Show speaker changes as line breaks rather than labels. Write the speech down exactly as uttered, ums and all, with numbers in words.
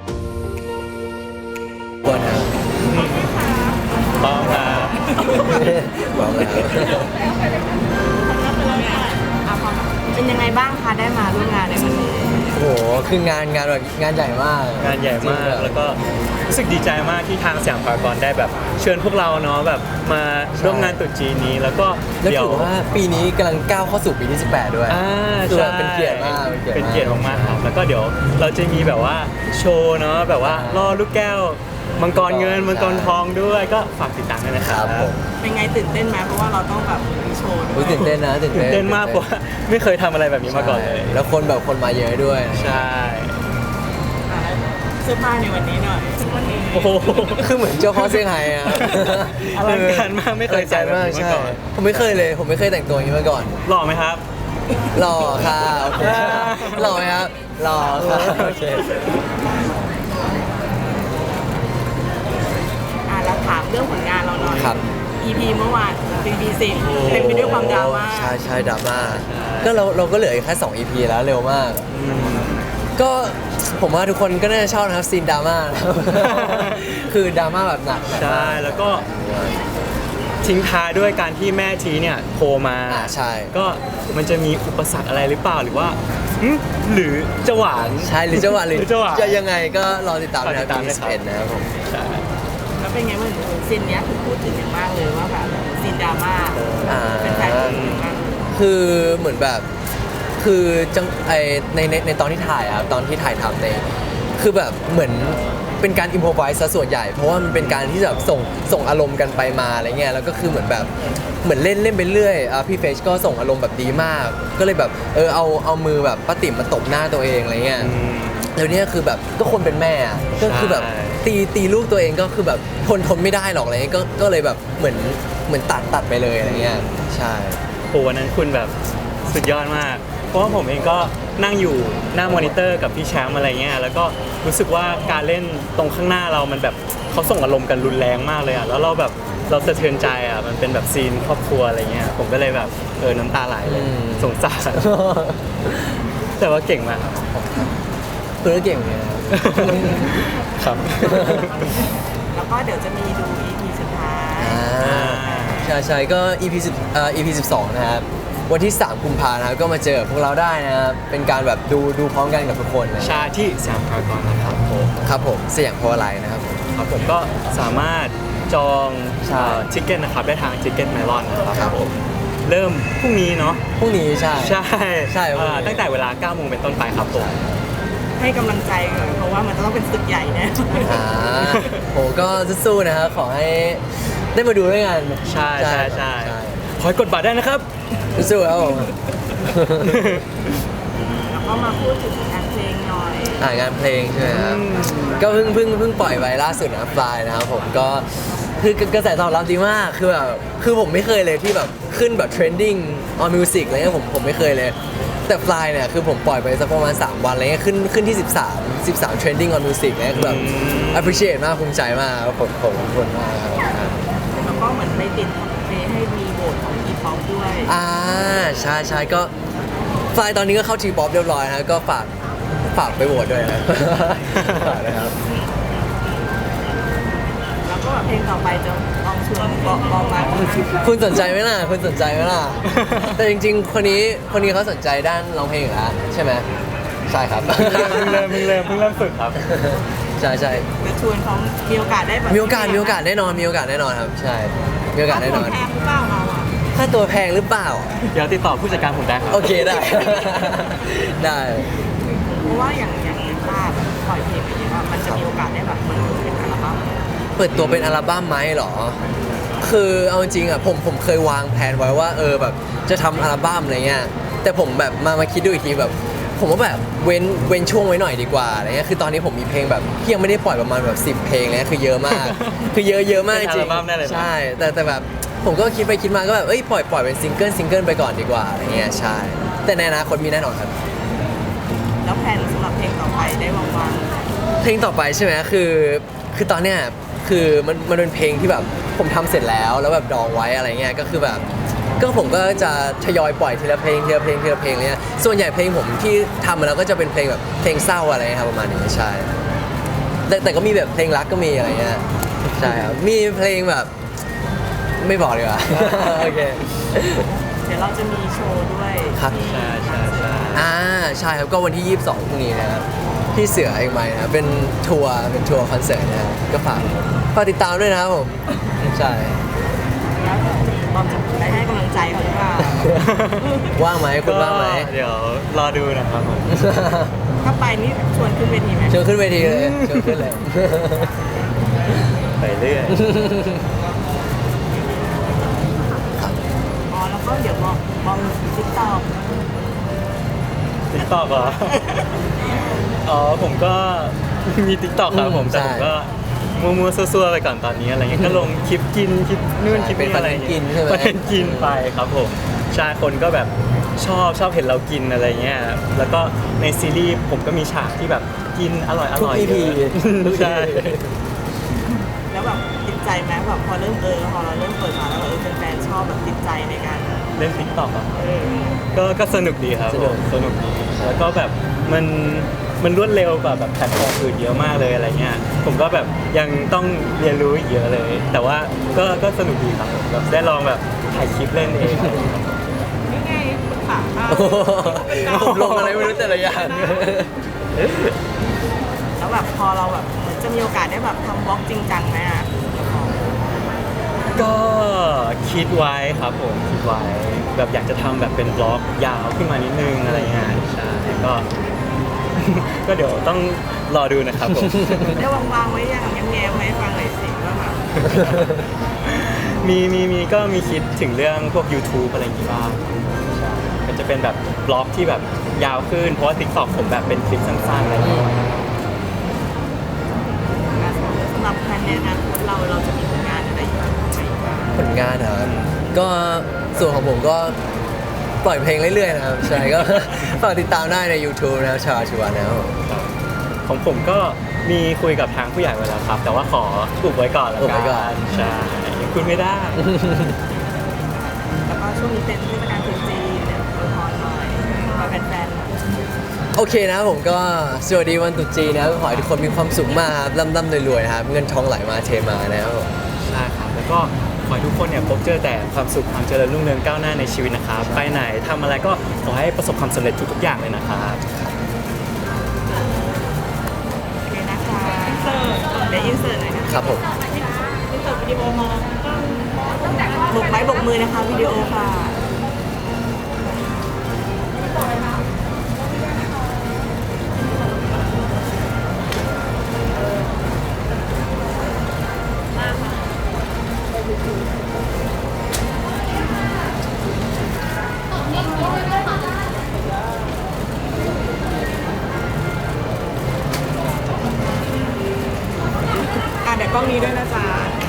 บวนครับ
ต้องครับ
บอกแล้ว
เป็นยังไงบ้างคะได้มาร่วมงานในวันนี้
โอ้โหคืองานงานแบบงานใหญ่มาก
งานใหญ่มาก
จริงๆ
แล้วก็รู้สึกดีใจมากที่ทางสยามพารากอนได้แบบเชิญพวกเราเนาะแบบมาร่วมงานตรุษจีนนี้แล้วก็
แล้ว
เดี๋ยว
ถือว่าปีนี้กำลังก้าวเข้าสู่ปีที่สิบแปดด้วย
อ่า
คือ
ใช่
แบบเป็นเกียรติมาก
เป็นเกียรติมากๆครับแล้วก็เดี๋ยวเราจะมีแบบว่าโชว์เนาะแบบว่าล่อลูกแก้วมังกรเงินมังกรทองด้วยก็ฝากติดตามด้วยนะค
ค
รั
รั
บบ
ผม
เป็นไงตื่นเต้นไหมเพราะว่าเราต้องแบบมีโชว์ด้ว
รู้
ย
ตื่นเต้นนะตื่น
ตื่
เต้
น
น
เต้นมากเพราะว่าไม่เคยทำอะไรแบบนี้มาก่อนเลย
ใช่แล้วคนแบบคนมาเยอะด้วย
ใช่
อ่ะเสื้อผ้าในวันนี้หน่อยวันนี้
โอ้โห
คือเหมือนเจ้าพ่อเซี่ยงไฮ้อะ
อลังการมากไม่เคยใส่แบบนี้มา
ใช่
ก่อน
ผมไม่เคยเลยผมไม่เคยแต่งตัวอย่างนี้มาก่อน
หล่อไหมครับ
หล่อค่ะโอเคหล่อไหมครับหล่อค่ะโอเค
อ่ะแล้วถามเรื่องผลงานเราหน่อย
ครับ
อี พี เมื่อวาน อี พี สิบเต็มไปด้วยความดราม่า
ใช่ใช่ดราม่าก็เราเราก็เหลืออีกแค่สอง อี พี แล้วเร็วมาก ก็ผมว่าทุกคนก็น่าจะชอบนะครับซีนดราม่านะครับ คือดราม่าแบบหนัก
ใช่แล้วก็ทิ้งท้ายด้วยการที่แม่ทีเนี่ยโทรมา
อ่าใช่
ก็มันจะมีอุปสรรคอะไรหรือเปล่าหรือว่าหึหรือจะหวาน
ใช่หรือจะหวานหรือ
หรือจะหวาน
จะยังไงก็รอติดตามนะครับ
รอติดตาม
ปี
นะค
สิ
รั
บบ เอ็ดนะครับผม
ใช่
แล้วเป็นไงบ้างซีนเนี้ยถูกพูดถึงอย่างมากเลยว่าแบบซีนดราม่า
อ่า
เป็นแฟนพูดถึงอย่างมาก
คือเหมือนแบบคือจังไอในในในตอนที่ถ่ายอะครับตอนที่ถ่ายทำในคือแบบเหมือนเป็นการอิมพอไวส์ซะส่วนใหญ่เพราะว่ามันเป็นการที่แบบส่งส่งอารมณ์กันไปมาอะไรเงี้ยแล้วก็คือเหมือนแบบเหมือนเล่นเล่นไปเรื่อยอ่ะพี่เฟชก็ส่งอารมณ์แบบดีมาก ก็เลยแบบเออเอาเอามือแบบป้าติ๋มมาตบหน้าตัวเองอะไรเงี้ย
อืม
แล้วเนี่ยคือแบบก็คนเป็นแม่อะก็คือแบบ
ใช่
ตีตีลูกตัวเองก็คือแบบทนทนไม่ได้หรอกอะไรเงี้ยก็ก็เลยแบบเหมือนเหมือนตัดตัดไปเลยอะไรเงี้ยใช่
โหวันนั้นคุณแบบสุดยอดมาก เพราะว่าผมเองก็นั่งอยู่หน้ามอนิเตอร์กับพี่แชมป์อะไรเงี้ยแล้วก็รู้สึกว่าการเล่นตรงข้างหน้าเรามันแบบเขาส่งอารมณ์กันรุนแรงมากเลยอ่ะแล้วเราแบบเราสะเทือนใจอ่ะมันเป็นแบบซีนครอบครัวอะไรเงี้ยผมก็เลยแบบเออน้ำตาไหลเลย
อืม
สงสารแต่ว่าเก่งมาก
คือก็เก่งเหมือนกันนะครับ
ครับ
แล้วก็เดี๋ยวจะมีดู อี พี สุดท้าย
อ่าใช่ใช่ก็ อี พี สิบเอ่อ อี พี สิบสองนะครับวันที่สามกุมภาพันธ์นะครับก็มาเจอพวกเราได้นะครับเป็นการแบบดูดูพร้อมกันกับทุกคนนะ
ชาที่สยามพารากอนนะครับผม
ครับผมเสียงเพราะอะไรนะครับผม
ครับผมก็สามารถจอง
ใช่
ทิเก็ตนะครับได้ทางทิเก็ตเมลอนนะค
ครั
รับบ ผมเริ่มพรุ่งนี้เนาะ
พรุ่งนี้ใช่
ใช่
ใช่พรุ่งนี้
อ่าตั้งแต่เวลาเก้าโมงเป็นต้นไปครับผม
ให้กำลังใจก่อนเพราะว่ามันจะต้องเป็นศึกใหญ่แน่
อ่าโหก็สู้ๆนะครับขอให้ได้มาดูด้วยกัน
ใช่ใช่ใช่ขอให้กดบัตรได้นะครับ
สู้ๆครับผม
แล้วก็มาพูดถึงงานเพลงหน่อย
อ่างานเพลงใช่ไหมครับ
อืม
ก็เพิ่งเพิ่งเพิ่งปล่อยไปล่าสุดนะฟลายนะครับผมก็คือกระแสตอบรับดีมากคือแบบคือผมไม่เคยเลยที่แบบขึ้นแบบ trending on music อะไรเงี้ยผมผมไม่เคยเลย แต่ฟลายเนี่ยคือผมปล่อยไปสักประมาณสามวันอะไรเงี้ยขึ้นขึ้นที่สิบสาม สิบสาม trending on music เนี่ยคือแบบ appreciate มากภูมิใจมากครับผมผมขอบคุณมากครับ
แล้วก็เหมือนไปติดเพลงให้มีโหวตของอีพ็อปด้วย
อ่าใช่ใช่ก็ฟลายตอนนี้ก็เข้าทีป๊อปเรียบร้อยนะก็ฝากฝากไปโหวตด้วยนะ ฝากนะครับ
แล้วก็แบบเพลงต่อไปจะลองชวนบอกบอกมา
คุณสนใจไหมล่ะคุณสนใจไหมล่ะ แต่จริงๆ คนนี้คนนี้เขาสนใจด้านร้องเพลงอยู่แล้วใช่ไหมใช่ครับ
เพิ่งเริ่มเพิ่งเริ่มเพิ่งเริ่มฝึกครับ
ใช่ใช่
จะชวนเขามีโอกาสได้แบบ
มีโอกาสมีโอกาสแน่นอนมีโอกาสแน่นอนครับ ใช่มีโอกาสแน่นอน
แพงหรือเปล่าเราอ่ะ
ถ้าตัวแพงหรือเปล่า
เดี๋ยวติดต่อผู้จัดการผมได้ครับ
โอเคได้ ได้
เพราะว่าอย่างอย่างอย่างภาพปล่อยเพลงไปเยอะอะมันจะมีโอกาสได้แบบเหมือนเป็นอัลบั้ม
เปิดตัวเป็นอัลบั้มไหมเหรอ คือเอาจริงๆอ่ะผมผมเคยวางแผนไว้ว่าเออแบบจะทำอัลบั้มอะไรเงี้ย แต่ผมแบบมามาคิดดูอีกทีแบบ ผมว่าแบบเว้นเว้นช่วงไว้หน่อยดีกว่าอะไรเงี้ย คือตอนนี้ผมมีเพลงแบบที่ยังไม่ได้ปล่อยประมาณแบบสิบเพลงเลยนะคือเยอะมาก คือเยอะเยอะมากจ
เป็น
ริ
อั
ง
ลบั้มได้เลยนะ
ใช่ แต่แต่แบบผมก็คิดไปคิดมาก็แบบเอ้ยปล่อยปล่อยเป็นซิงเกิลซิงเกิลไปก่อนดีกว่าอะไรเงี้ยใช่ แต่ในอนาคตมีแน่นอนครับ
แล้วแผนสำหรับเพลงต่อไปได้วางวาง
เพลงต่อไปใช่ไหมคือคือตอนเนี้ยคือมันมันเป็นเพลงที่แบบผมทำเสร็จแล้วแล้วแบบดองไว้อะไรเงี้ยก็คือแบบก็ผมก็จะทยอยปล่อยทีละเพลงทีละเพลงทีละเพลงเนี้ยส่วนใหญ่เพลงผมที่ทำมาแล้วก็จะเป็นเพลงแบบเพลงเศร้าอะไรเงี้ยครับประมาณนี้ใช่แต่แต่ก็มีแบบเพลงรักก็มีอะไรเงี้ยใช่ครับมีเพลงแบบไม่บอกดีกว่า โอเค
เดี๋ยวเราจะมีโชว์ด้วย
ครับ
ที่
ใช่ใช่ใช่
อ่าใช่ครับก็วันที่ยี่สิบสองพรุ่งนี้นะครับที่เสือเอกมัยนะครับเป็นทัวร์เป็นทัวร์คอนเสิร์ตนะครับก็ฝากฝากติดตามด้วยนะครับผมใช่
แล้วบอมจะได้ให้กำลังใจเขาหรือเปล่า
ว่างไหมคุณว่างไหม
ก็เดี๋ยวรอดูนะครับผม
ถ้าไปนี่ชวนขึ้นเวทีไหม
เชิญขึ้นเวทีเลยเชิญขึ้นเลย
ไปเรื่อย
อ๋อแล้วก็เดี๋ยวบอมบอมติ๊กต็อก
ติ๊กต็อกเหรอ อ๋อผมก็มีติ๊กต็อกครับผม
อืม
แต่ผม
ใช่
ก็มัวๆซัวๆไปก่อนตอนนี้อะไรเงี้ยก็ลงคลิปกินคลิปนู่นคลิป
เป็น
นี่อะไร
คอนเทนต์กินใช่ไหม
คอนเทนต์กินไปครับผมใช่คนก็แบบชอบชอบเห็นเรากินอะไรเงี้ยแล้วก็ในซีรีส์ผมก็มีฉากที่แบบกินอร่อยอ
ทุก
ร่อย
อี
เย
พี
อะใช่
แล้วแบบติดใจไหมแบบพอเริ่มเออพอเราเริ่มเปิดมาแล้วแบบเออแฟนๆชอบแบบติดใจในการ
เล่นติ๊กต็อกอ่ะ
เออ
ก็ก็สนุกดีครับ
สนุก
ผมสนุกดีแล้วก็แบบมันมันรวดเร็วกว่าแบบแพลตฟอร์มอื่นเยอะมากเลยอะไรเงี้ยผมก็แบบยังต้องเรียนรู้อีกเยอะเลย แต่ว่าก็ก็สนุกดีครับผมแบบได้ลองแบบถ่ายคลิปเล่นเอง
นี่ไงปรึกษาป้า
โอ้โหผมลงอะไรไม่รู้แต่ละอย่าง
แล้วแบบพอเราแบบเหมือนจะมีโอกาสได้แบบทำบล็อกจริงจังไหมอ่ะ
ก็คิดไว้ครับผมคิดไว้แบบอยากจะทำแบบเป็นบล็อกยาวขึ้นมานิดนึงอะไรเงี้ยใช่ก็ ก็เดี๋ยวต้องรอดูนะครับผม
ได้วางๆไว้ยังแง้มๆไหมฟังหน่อยสิว่าแบบ
มีมีมีก็มีคิดถึงเรื่องพวก YouTube อะไรอย่างงี้บ้างใช่ก็จะเป็นแบบบล็อกที่แบบยาวขึ้น เพราะว่า TikTok ผมแบบเป็นคลิปสั้นๆอะไรอย่างเงี้ย
สำหรับแพลนในอนาคตเราเราจะมีผลงานอะไรอยู่บ้างไหมบ้าง
ผลงานนะครับก็ส่วนของผมก็ปล่อยเพลงเรื่อยๆนะครับใช่ก็ ฝากติดตามได้ใน YouTube นะครับชาวชิวานะครับผม
ของผมก็มีคุยกับทางผู้ใหญ่ไว้แล้วครับ แต่ว่าขออุบไว้ก่อนแล้ว
อุบ
กั
ไว้ก่อน
นใช่ยังคุยไม่ได้
แล้วก็ช่วงนี้เป็นเทศกาลตรุษจีนเนี่ยอวยพรหน่อยมาแฟนๆ
โอเคนะครับผมก็สวัสดีวันตรุษจีนนะครับขอให้ทุกคนมีความสุขมากครับร่ำๆรวยๆนะครับเงินทองไหลมาเทมานะครับผม
ใช่ครับ แล้วก็ขอให้ทุกคนเนี่ยพบเจอแต่ความสุขความเจริญรุ่งเรืองก้าวหน้าในชีวิตนะครับ ไปไหนทำอะไรก็ขอให้ประสบความสำเร็จทุกๆอย่างเลยนะครับ
โอเคนะคะอินเสิร์ตเดี๋ยวอินเสิร์ตหน่อยนะครับ
ผม
อินเสิร์ตวิดีโอมาบกไม้บกมือนะคะวิดีโอค่ะอ่ะเดี๋ยวกล้องนี้ด้วยนะจ๊ะ